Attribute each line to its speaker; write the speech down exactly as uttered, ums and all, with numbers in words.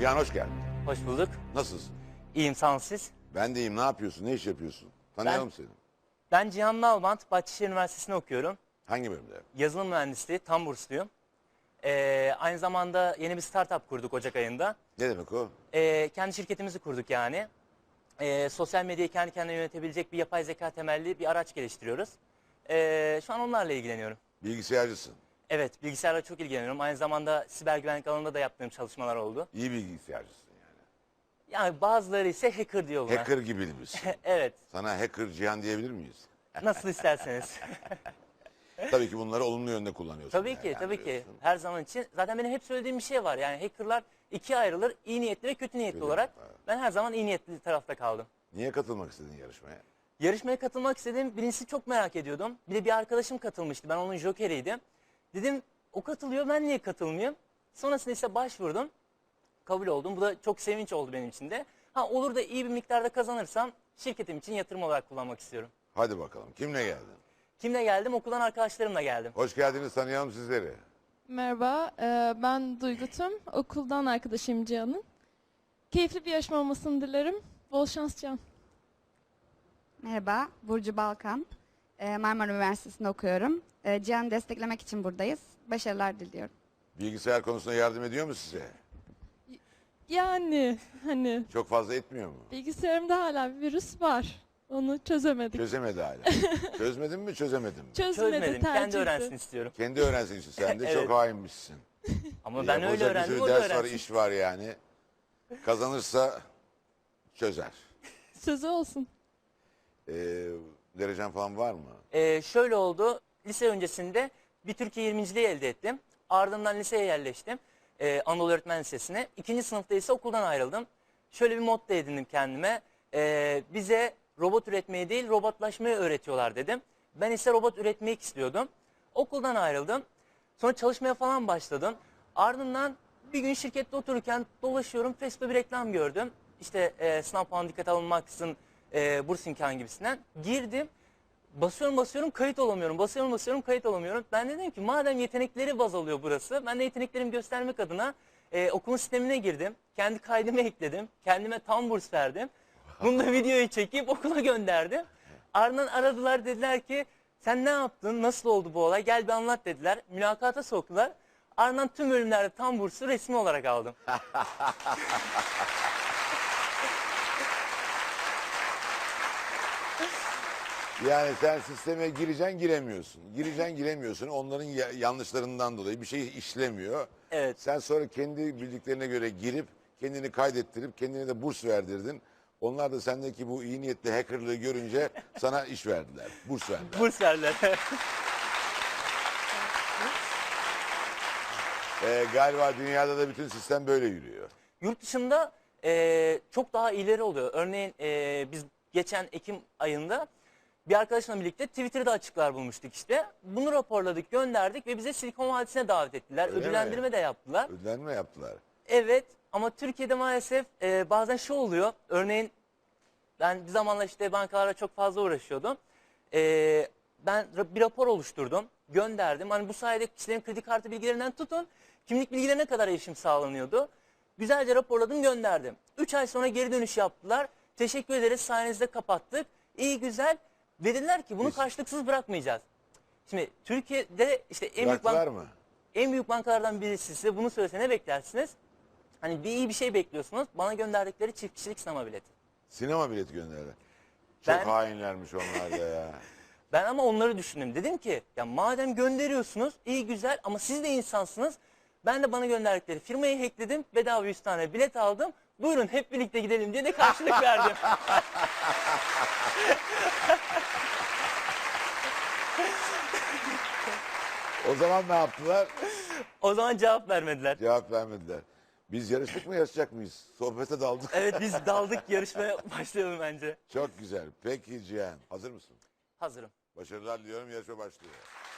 Speaker 1: Cihan hoş geldin.
Speaker 2: Hoş bulduk.
Speaker 1: Nasılsın?
Speaker 2: İyiyim, sağ olun siz.
Speaker 1: Ben de iyiyim. Ne yapıyorsun? Ne iş yapıyorsun? Tanıyalım
Speaker 2: Ben-
Speaker 1: seni.
Speaker 2: Ben Cihan Nalbant, Bahçeşehir Üniversitesi'nde okuyorum.
Speaker 1: Hangi bölümde?
Speaker 2: Yazılım mühendisliği, tam bursluyum. Ee, aynı zamanda yeni bir startup kurduk Ocak ayında.
Speaker 1: Ne demek o?
Speaker 2: Ee, kendi şirketimizi kurduk yani. Ee, sosyal medyayı kendi kendine yönetebilecek bir yapay zeka temelli bir araç geliştiriyoruz. Ee, şu an onlarla ilgileniyorum.
Speaker 1: Bilgisayarcısın.
Speaker 2: Evet, bilgisayarla çok ilgileniyorum. Aynı zamanda siber güvenlik alanında da yaptığım çalışmalar oldu.
Speaker 1: İyi bilgisayarcısın yani.
Speaker 2: Yani bazıları ise hacker diyor buna.
Speaker 1: Hacker gibi misin?
Speaker 2: Evet,
Speaker 1: Sana hacker Cihan diyebilir miyiz?
Speaker 2: nasıl isterseniz.
Speaker 1: Tabii ki bunları olumlu yönde kullanıyorsun.
Speaker 2: Tabii
Speaker 1: yani,
Speaker 2: ki, tabii ki.
Speaker 1: değerlendiriyorsun.
Speaker 2: Her zaman için. Zaten benim hep söylediğim bir şey var. Yani hackerlar ikiye ayrılır. İyi niyetli ve kötü niyetli
Speaker 1: Kötü,
Speaker 2: olarak.
Speaker 1: evet.
Speaker 2: Ben her zaman iyi niyetli tarafta kaldım.
Speaker 1: Niye katılmak istedin yarışmaya?
Speaker 2: Yarışmaya katılmak istedim. Birincisi çok merak ediyordum. Bir de bir arkadaşım katılmıştı. Ben onun jokeriydim. Dedim o katılıyor, ben niye katılmayayım? Sonrasında ise başvurdum. Kabul oldum. Bu da çok sevinç oldu benim için de. Ha, olur da iyi bir miktarda kazanırsam şirketim için yatırım olarak kullanmak istiyorum.
Speaker 1: Hadi bakalım. Kimle geldin?
Speaker 2: Kimle geldim? Okuldan arkadaşlarımla geldim.
Speaker 1: Hoş geldiniz. Tanıyalım sizleri.
Speaker 3: Merhaba, e, ben Duygu Tüm. Okuldan arkadaşım Cihan'ın. Keyifli bir yarışma olmasını dilerim. Bol şans Cihan.
Speaker 4: Merhaba, Burcu Balkan. Ee, Marmara Üniversitesi'nde okuyorum. Ee, Cihan'ı desteklemek için buradayız. Başarılar diliyorum.
Speaker 1: Bilgisayar konusunda yardım ediyor mu size?
Speaker 3: Yani hani
Speaker 1: Çok fazla etmiyor mu?
Speaker 3: bilgisayarımda hala bir virüs var. Onu çözemedik.
Speaker 1: Çözemedi hala. Çözmedin mi çözemedim mi?
Speaker 3: Çözmedi
Speaker 2: Çözmedim.
Speaker 3: tercihti.
Speaker 2: Kendi öğrensin istiyorum.
Speaker 1: Kendi öğrensin işte. Sen de
Speaker 2: Evet.
Speaker 1: çok hainmişsin.
Speaker 2: Ama ben öyle
Speaker 1: Yapılacak bir
Speaker 2: öğrendim,
Speaker 1: sürü
Speaker 2: o da
Speaker 1: ders var,
Speaker 2: öğrensin.
Speaker 1: iş var yani. Kazanırsa çözer.
Speaker 3: Sözü olsun.
Speaker 1: Ee, derecen falan var mı?
Speaker 2: Ee, şöyle oldu. Lise öncesinde bir Türkiye yirminciliği elde ettim. Ardından liseye yerleştim. Ee, Anadolu Öğretmen Lisesi'ne. İkinci sınıfta ise okuldan ayrıldım. Şöyle bir motto edindim kendime. Ee, bize robot üretmeyi değil robotlaşmayı öğretiyorlar dedim. Ben ise robot üretmeyi istiyordum. Okuldan ayrıldım. Sonra çalışmaya falan başladım. Ardından bir gün şirkette otururken dolaşıyorum. Facebook'ta bir reklam gördüm. İşte e, sınav puanı dikkate alınmaksızın e, burs imkanı gibisinden. Girdim. Basıyorum basıyorum kayıt olamıyorum. Basıyorum basıyorum kayıt olamıyorum. Ben de dedim ki madem yetenekleri baz alıyor burası. Ben de yeteneklerimi göstermek adına e, okulun sistemine girdim. Kendi kaydımı ekledim. Kendime tam burs verdim. Bunu da videoyu çekip okula gönderdim. Ardından aradılar, dediler ki sen ne yaptın? Nasıl oldu bu olay? Gel bir anlat dediler. Mülakata soktular. Ardından tüm bölümlerde tam bursu resmi olarak aldım.
Speaker 1: Yani sen sisteme gireceksin giremiyorsun. Gireceksin giremiyorsun. Onların ya- yanlışlarından dolayı bir şey işlemiyor.
Speaker 2: Evet.
Speaker 1: Sen sonra kendi bildiklerine göre girip kendini kaydettirip kendine de burs verdirdin. Onlar da sendeki bu iyi niyetli hackerlığı görünce sana iş verdiler. Burs verdiler.
Speaker 2: Burs verdiler.
Speaker 1: Ee, galiba dünyada da bütün sistem böyle yürüyor.
Speaker 2: Yurt dışında e, çok daha ileri oluyor. Örneğin e, biz geçen Ekim ayında bir arkadaşımla birlikte Twitter'da açıklar bulmuştuk işte. Bunu raporladık, gönderdik ve bize Silikon Vadisi'ne davet ettiler.
Speaker 1: Öyle mi?
Speaker 2: Ödüllendirme de yaptılar.
Speaker 1: Ödlenme yaptılar.
Speaker 2: Evet ama Türkiye'de maalesef e, bazen şu oluyor. Örneğin ben bir zamanlar işte bankalarla çok fazla uğraşıyordum. E, ben ra- bir rapor oluşturdum, gönderdim. Hani bu sayede kişilerin kredi kartı bilgilerinden tutun, kimlik bilgilerine kadar erişim sağlanıyordu. Güzelce raporladım, gönderdim. Üç ay sonra geri dönüş yaptılar. Teşekkür ederiz, sayenizde kapattık. İyi güzel. Dediler ki bunu
Speaker 1: Biz-
Speaker 2: karşılıksız bırakmayacağız. Şimdi Türkiye'de işte en büyük,
Speaker 1: Bıraktılar
Speaker 2: bank-
Speaker 1: mı?
Speaker 2: en büyük bankalardan birisi size bunu söylese ne beklersiniz? Hani bir iyi bir şey bekliyorsunuz. Bana gönderdikleri çift kişilik sinema bileti.
Speaker 1: Sinema bileti gönderdiler. Çok
Speaker 2: Ben-
Speaker 1: hainlermiş onlar da ya.
Speaker 2: Ben ama onları düşündüm. Dedim ki ya madem gönderiyorsunuz iyi güzel ama siz de insansınız. Ben de bana gönderdikleri firmayı hackledim. Bedava yüz tane bilet aldım. Buyurun hep birlikte gidelim diye de karşılık verdim.
Speaker 1: O zaman ne yaptılar?
Speaker 2: O zaman cevap vermediler.
Speaker 1: Cevap vermediler. Biz yarıştık mı yarışacak mıyız? Sohbete daldık.
Speaker 2: Evet biz daldık, yarışmaya başlayalım bence.
Speaker 1: Çok güzel. Peki Cihan hazır mısın?
Speaker 2: Hazırım.
Speaker 1: Başarılar diliyorum, yarışma başlıyor.